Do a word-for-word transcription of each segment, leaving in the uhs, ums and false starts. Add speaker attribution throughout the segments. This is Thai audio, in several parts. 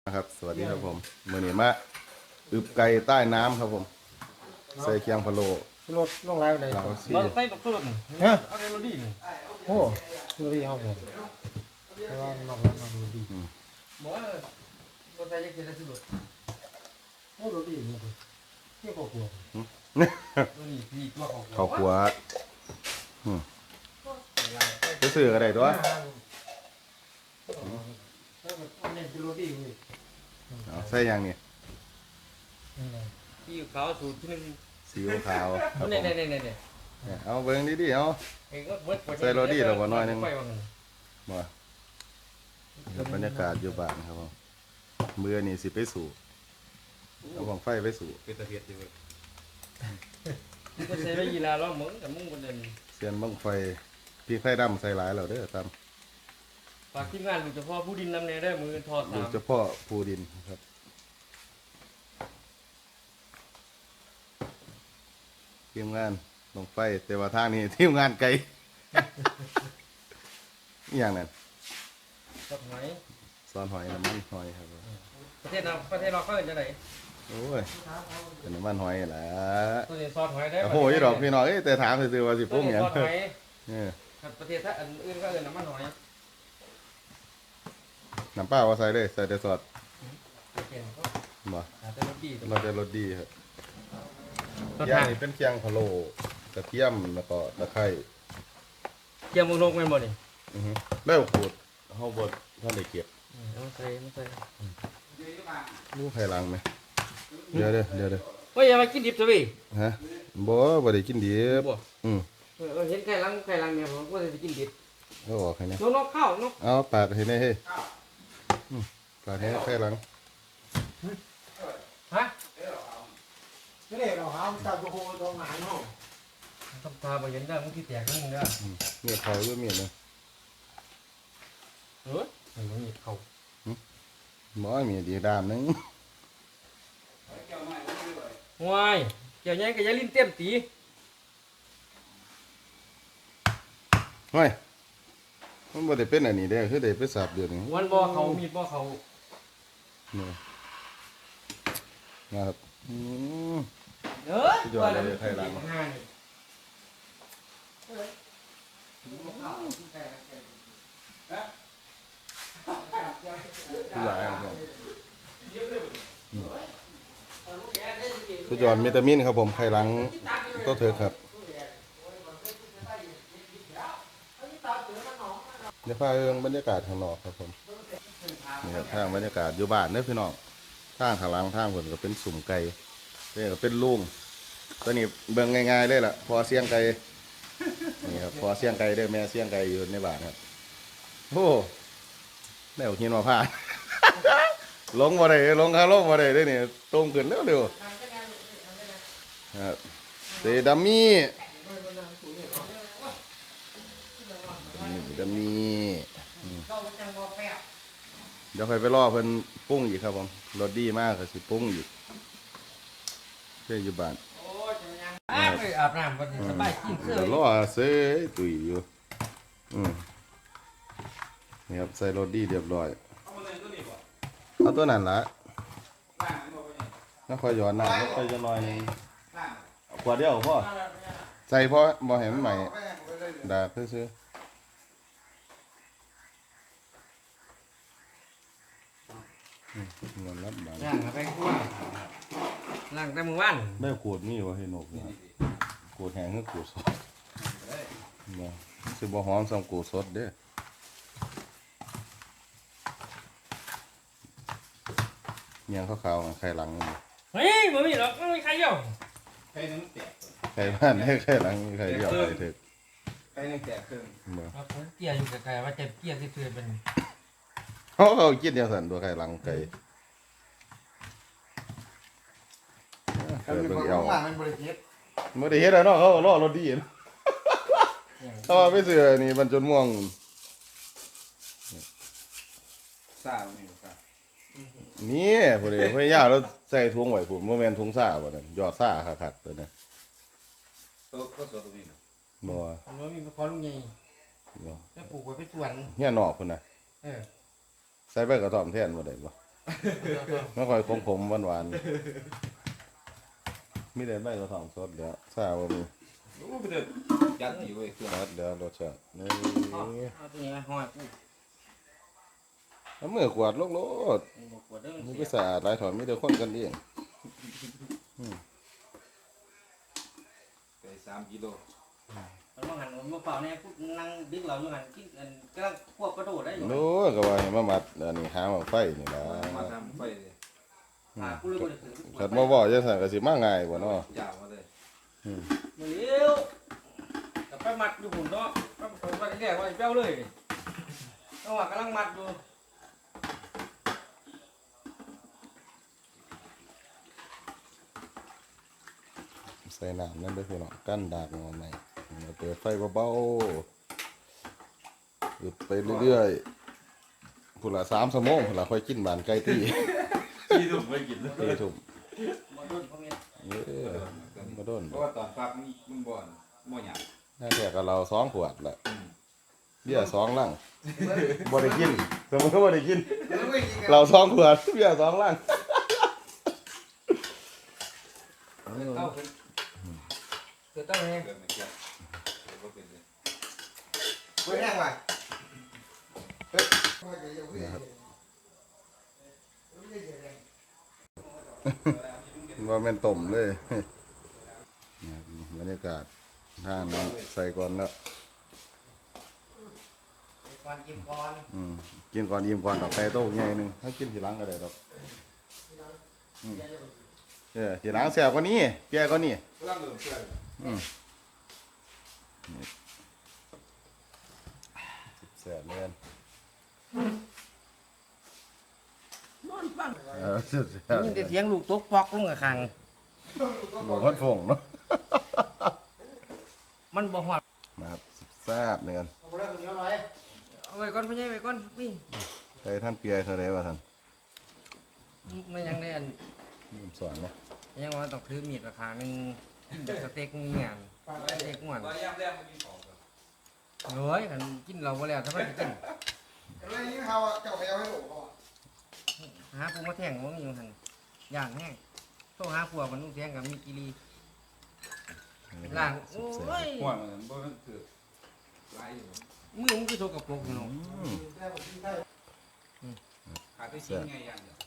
Speaker 1: นะครับสวัสดีครับผมมือนี้มาอึบไก่ใต้น้ำครับผมใส่เคียงพะโล้
Speaker 2: รถลงไลฟ์ไหน
Speaker 1: เราซี
Speaker 3: เราใส่ตกตุ่น
Speaker 2: ฮะ
Speaker 3: เอาในรถดีนี่
Speaker 2: โอ้ดูดีห้องผมแต่ว่านอกแล้วนอกดูดี
Speaker 3: บอกว่าเราใส่ยังกินได้สุด
Speaker 2: โอ้ดูดีนี่ดิเที่ยวกลัว
Speaker 3: ตัวนี้พี่ตัวของ
Speaker 1: เขาขัวไปซื้ออะไรตัว
Speaker 2: แล้วมันเนี่ยดูดีเลย
Speaker 1: เอาใส่ยังนี่
Speaker 3: พี่เขาสูตรที่หนึ่ง
Speaker 1: ซีอิ๊วขาวครับผ
Speaker 3: เนี่ย
Speaker 1: ม
Speaker 3: เนี่ยเนี่ยเนี่ย
Speaker 1: เนี่ยเอาเบิ้งดิๆเอา
Speaker 3: เองก็เบิด
Speaker 1: ใส่โรดี้เราบ่น้อยหนึ่ง
Speaker 3: ไปว่างั้น
Speaker 1: มาครับบรรยากาศอยู่บ้านครับผมมือนี่สิไปสู่เอาของไฟไปสู่
Speaker 4: เป็นตะเพียดอยู่เลย
Speaker 3: ก็ใส่ได้ยีราล้อมึงแต่มึงคนเดิน
Speaker 1: เสียนบังไฟพี่ไฟดำใส่หลายแล้วเด้อตาม
Speaker 3: ฝากทีมงานลูกเฉพาะผู้ดินนำแน่ได้มือทอด
Speaker 1: ดู
Speaker 3: สาม
Speaker 1: เฉพาะภูดินครับทีมงานลงไฟแต่ว่าทางนี้ทีมงานไกล อหย่างนั้น
Speaker 3: กับไหน
Speaker 1: ซอนหอยน้ำมันหอยครับ
Speaker 3: ประเทศเราประเทศเราเขาเห็นจะไหน
Speaker 1: โอ้ยเป็นน้ำมันหอยแหละ
Speaker 3: ตัวนี้ซอสหอยได้
Speaker 1: โอ้โหยี่ดอกพี่น้องเอ้ยแต่ถามซื่อๆว่าสิ
Speaker 3: ตั
Speaker 1: ปุ้
Speaker 3: ว
Speaker 1: ง
Speaker 3: นี้
Speaker 1: หยัง
Speaker 3: ซอสหอย
Speaker 1: เนี่ย
Speaker 3: ประเทศถ้าอันอื่นก็เอินน้ำมันหอย
Speaker 1: น้ำเปล่าว่าใส่เลยใส่แต่ซอส
Speaker 3: เก่งก็
Speaker 1: บ่
Speaker 3: หาแต่รสดี
Speaker 1: เราจะรสดีครับ
Speaker 3: รส
Speaker 1: ย่าง
Speaker 3: ห่าง
Speaker 1: นี่เป็นเคียงพะโล้กระเทียมแล้วก็ตะไคร้
Speaker 3: เกี่ยวมึงลงแม่นบ่นี่
Speaker 1: อือฮึแล้วขูดเฮาบ่ท่านได้เก็บ
Speaker 3: เอาใส่เอาใส่
Speaker 1: รู้ไผล้างไหมเดี๋ยวเด้อเดี๋ยวเด้อ
Speaker 3: เฮ้ยอย่ามากินดิบซะพี่
Speaker 1: ฮะบ่บ่ได้กินดิบ
Speaker 3: บ่
Speaker 1: อืม
Speaker 3: เออเห็นไก่ลังไก่ลังเนี่ยผมก็จะกินดิบ
Speaker 1: เอาออกให้แน่
Speaker 3: นกนกข้าวนก
Speaker 1: เอาปาดให้แน่เฮ้ยอืมปาดให้ไผล้าง
Speaker 3: ฮะ
Speaker 2: ไม่ได้เราเอาจับโคตรงไหนเนาะ
Speaker 3: ต้องพาไปเห็นได้มึงที่แตกมึงเด้อ
Speaker 1: อืมเมียเขาด้วยเมียเลย
Speaker 3: เออไอ้มึงหยิบเขา
Speaker 1: บ่มีดีดามหนึง
Speaker 3: วายเกี่ยวยังกับยาลิ้นเต็มตี
Speaker 1: เฮ้ยมันบ่ได้เป็นอันนี้เด้อคือได้ไปสับเดี๋ยวนี้
Speaker 3: วันบ่เขามีดบ่เขา
Speaker 1: นี่นะครับอืม
Speaker 3: เด้อ
Speaker 1: สุดยอดเลยไทยลัง
Speaker 3: ห้านี่
Speaker 1: ผู้ใหญ่ครับอืมสุดยอดวิตามินครับผมไข่หลังก็เถอะครับเดี๋ยวพาเรื่องบรรยากาศข้างนอกครับผมนี่ครับทางบรรยากาศอยู่บ้านเด้อพี่น้องทางข้างหลังทางผมก็เป็นสุ่มไก่นี่ก็เป็นลุงตัวนี้เบิ่งง่ายๆเลยล่ะพอเสียงไก่นี่ครับพอเสียงไก่เด้อแม่เสียงไก่อยู่ในบ้านครับโอ้แนวหินมาพาด ลงมาได้ลงคาลงมาได้เด้อนี่ตรงขึ้นเร็วๆครับเซดัมมี่นี่ดัมมี่อืมเดี๋ยวค่อยไปรอเพิ่นปรุงอีกครับผมรสดีมากก็สิปรุงอีกเพื่ออยู่บ้าน
Speaker 3: โอ้ยยังอาบอาบน้ำก่อนสบายกินเสื้อ
Speaker 1: เดี๋ยวรอเซยตุยอยู่อืมนี่ครับใส่รสดีเรียบร้อยเอาตัวนั้นละแล้วค่อยหย้อนน้ำแล้วค่อยจะน้อยหนึงขวดเดียวพ่อใส่พ่อบ่เห็นมันใหม่ดาบซื้อๆอืมเงินรับบาท
Speaker 3: ย่างไปคั่วล้างแต่มื้อวาน
Speaker 1: ได้ขวดนี่วะเห็นนกเนี่ยขวดแห้งก็ขวดสดบ่สิบ่หอมสำขวดสดเด้อเมียงขาวๆไข่หลังนี่
Speaker 3: เฮ้ยบ่มีหรอกไม่มีใครเดียว
Speaker 4: ใครนึงแตก
Speaker 1: ไข่บ้านได้ไข่หลังมีไข่เดียวไข่ถึก
Speaker 4: ใครนึงแตกครึ่ง
Speaker 1: บ่
Speaker 3: ครับผมเกียร์อยู่ไกลๆว่าจะเกียร์ที่เพื่อนเป็น
Speaker 1: เขาเขากินจังซั่นตัวไข่หลังไก่เกิดเบิ่งเอว
Speaker 2: ว่ามันบริเวณ
Speaker 1: บ่ได้เฮ็ดแล้วเนาะเขาก็รอรถดีเนาะถ้าว่าไปซื้อนี่มันจนม่วง
Speaker 4: ซ่าไม่รู้ซ่า
Speaker 1: นี่ผู้ใดพยายามแล้วใส่ถุงไว้พุ่นบ่แม่นถุงซ่าบ่นั่นยอดซ่าคักๆตัวนั้น
Speaker 4: ตัวก็สดตรงนี้นะ
Speaker 1: บ่
Speaker 3: ผมว่ามีพอลุงใหญ่
Speaker 1: บ่
Speaker 3: แล้วปลูกไว้เป็นสวน
Speaker 1: เฮียนอกพุ่นน่ะ
Speaker 3: เออ
Speaker 1: ใส่ใบกระท่อมแทนบ่ได้บ่ไม่ค่อยขมๆหวานๆมีแต่ใบกระถางสดเดี๋ยวซาบ่มี
Speaker 4: โอ้ไปเด้อยัดอยู่เว้ยเครื่อง
Speaker 1: รสเดี๋ยวรสชาตินี่
Speaker 3: เอาตัวนี้มาห้อยกู
Speaker 1: เอามือกวาดโลกโลด
Speaker 3: บอกว่าเด้อ
Speaker 1: มันก็สะอาดหลายถอนมีแต่คนกันเอง
Speaker 4: ไปสามกิโล
Speaker 3: มันมาหันมันมาเปล่าเนี่ยกูนั่งดึกเราอยู่หันกินอันกำลังควบกระโดดได้อยู่
Speaker 1: โน้ก็ว่าให้มามัดอันนี้หาหม้อไฟนี่ล่ะ
Speaker 4: มาทำไฟเลย
Speaker 3: หากูเลยบ่ได้ถึง
Speaker 1: ขัดบ่บ่จังซั่นก็สิมาง่ายบ่เนาะ
Speaker 4: ยาวมาเลย
Speaker 3: มื้อเดียวแต่ไปมัดอยู่หุ่นเนาะไปผมว่าแรกว่าสิเป้าเลยต้องว่ากำลังมัดอยู่
Speaker 1: ใส่น้ำนั่นเด้อพี่น้องกั้นดากงอใหม่เปิดไฟเบาๆหยุดไปเรื่อยๆพุ่นละสามชั่วโมงพุ่นละค่อยกินบานไก่ตี้
Speaker 4: ที่ถูกไม่กินเลย
Speaker 1: ตีทุ่ม
Speaker 3: บ่โดนพ่อแม่
Speaker 1: เออบ่โดน
Speaker 4: เพราะว่าตอนฟักมันมันบ่อนบ่หยาบ
Speaker 1: น่าแค่กับเราสองขวดละเบี้ยสองลังบ่ได้กินสมมติว่าบ่ได้กิน เราสองขวดเบี้ยสองลัง
Speaker 3: เต้าเป็นคือเต้าแห้ง
Speaker 4: เกิดไม่เกี่ยวเกิดบ่เป็นเลย
Speaker 2: เว้ยแห้งว่ะ
Speaker 1: ว่าแม่นต้มเลยบรรยากาศท่านน้ำใส่ก่อนแล้ว
Speaker 3: ก่อนกินก่อน
Speaker 1: อืมกินก่อนอิ่มก่อนดอกไก่โต้ใหญ่หนึงให้กินทีหลังก็ได้ดอกอืมเออทีหลังแซ่บกว่านี้แก่กว่านี้
Speaker 4: กำลังเริ่มเชื่อ
Speaker 1: อืมแซ่บเลยกันเออแซ่บ
Speaker 3: ยินแต่เสียงลูกตกปอกลงกับคาง
Speaker 1: บอกว่าฟงเนาะ
Speaker 3: มันบ่ฮอด
Speaker 1: นะครับแซ่บเลยกัน
Speaker 2: เอาไปแล้วคนเดียวหน่อย
Speaker 3: เอาไว้ก่อนพ่อใหญ่ไว้ก่อนนี่
Speaker 1: ใครท่านเปียเท่าไรวะท่าน
Speaker 3: มันยังได้อัน
Speaker 1: ผมสอนนะ
Speaker 3: ยังว่าต้องถือมีดราคาหนึงกินแบบสเต็กมีงานสเต็กม่วน
Speaker 4: ตอนยามแรกมันกินของครับ
Speaker 3: เฮ้ยคันกินเราบ่แล้วถ้ามันจะกิน
Speaker 2: อะไรนี่เขาเจ้าไปเอาให้หนูเขา
Speaker 3: หาปูมาแท่งบ่มีอยู่หั่นย่างแห้งโทรหาผัวมันนุ่งแท่งกับมีกิรีล้างโอ้ย
Speaker 4: หัวมันบ่มันคือหลายอยู่
Speaker 3: มือมันคือโทรกับปกอยู่เนาะ
Speaker 1: อืม
Speaker 2: ได้ผมกินได้
Speaker 4: ขาดไปชิ้นไงอย่างเดียว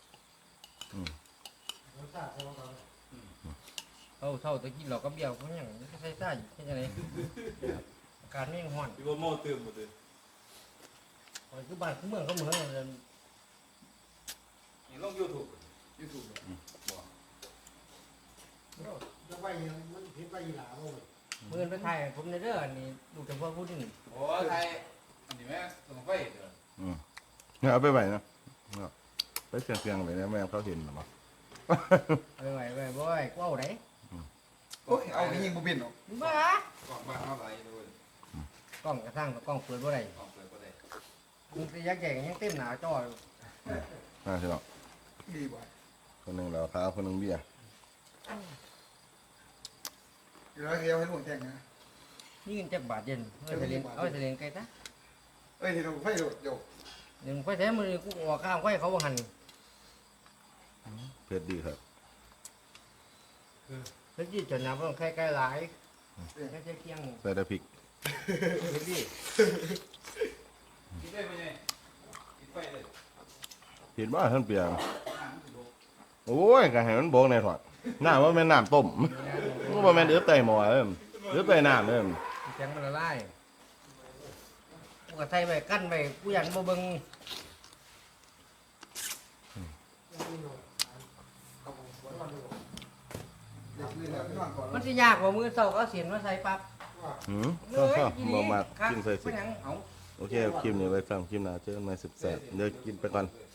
Speaker 2: รสชาติใช่ไหมครับ
Speaker 3: เท่าเท่าตะกี้เราก็เบี้ยวเพราะหยังใส่ซ่าอยู่แค่จังไดอากาศไม่ร้อน
Speaker 4: พี่บ่โม่ตื่มบ่ตื่ม
Speaker 3: โอ้ยคือบ้านคือเมืองเขาเหมือนกันเลย
Speaker 4: นี่ลง YouTube YouTube บ่
Speaker 2: จะไปยังมันผิดไปอีหลาบ่เว้ย
Speaker 3: เมื่อนไปถ่ายให้ผมในเด้ออันนี้ดูแต่พวกผู้นี่
Speaker 4: โอ้ไทยอันนี้แม่ต้องไฟเด้อ
Speaker 1: อืมเนี่ยเอาไปไหวนะเอาไปเสียงเสียงๆไปนะแม่เขาเห็นหรือเปล่า
Speaker 3: ไปไหวไปบ่อยกว้าวไหน
Speaker 2: โอ้ยเอาไปยิงบุบินหรอก
Speaker 3: บ้าก
Speaker 4: ล่องบ้านเฮาหลายอยู่เลย
Speaker 3: กล้องกระทั่งกับกล้องเปิดบ่ได้
Speaker 4: กล่องเปิดบ่ได้
Speaker 3: มันจะยักแย่งยังเต็มหนาจออยู่
Speaker 1: น่าใช่หรอก
Speaker 2: ดีบ่
Speaker 1: คนหนึ่งเราท้าคนหนึ่งเบี้ย
Speaker 2: เดี๋ยวเราเดียวให้หนูแข่งนะ
Speaker 3: นี่เงินจักบาทเย็นเอาไปเรียนเอาไปเรียนไกลซะ
Speaker 2: เอ้ยที่เราไฟโดดโยก
Speaker 3: เดี๋ยวไปแท้มือกูออกข้ามไฟเขาบ่หัน
Speaker 1: เผ็ดดีครับ
Speaker 3: แล้วยี่จนน้ำต้องใกล้ๆหลายแค่เคียง
Speaker 1: ใส่แต่พริก
Speaker 3: เห็นดิ
Speaker 4: กินได้บ่ไงกินไฟเลย
Speaker 1: เห็นว่าท่านเปียโอ้ยก็ให้มันโบกในถอดน้ำว่าแม่นน้ำต้มมันว่าแม่นเอื้อไตหม้อเลยเอื้อไตน้ำเลย
Speaker 3: แข็งมันละลายกูก็ใส่ไปกั้นไปกูยันบ่เบิ่ง
Speaker 2: เด็กนี่แหละพี่น้องก่อน
Speaker 3: มันสิยากกว่ามือเศร้าก็เสียนมาใส่ปั๊บ
Speaker 1: หืมชอบชอบบ่มากกินใส่สิ
Speaker 3: เป็นหยังเอา
Speaker 1: โอเคคลิปนี้ไว้ฟังคลิปหน้าเจอกันใหม่สิบแปดเดี๋ยวกินไปก่อน
Speaker 4: เออ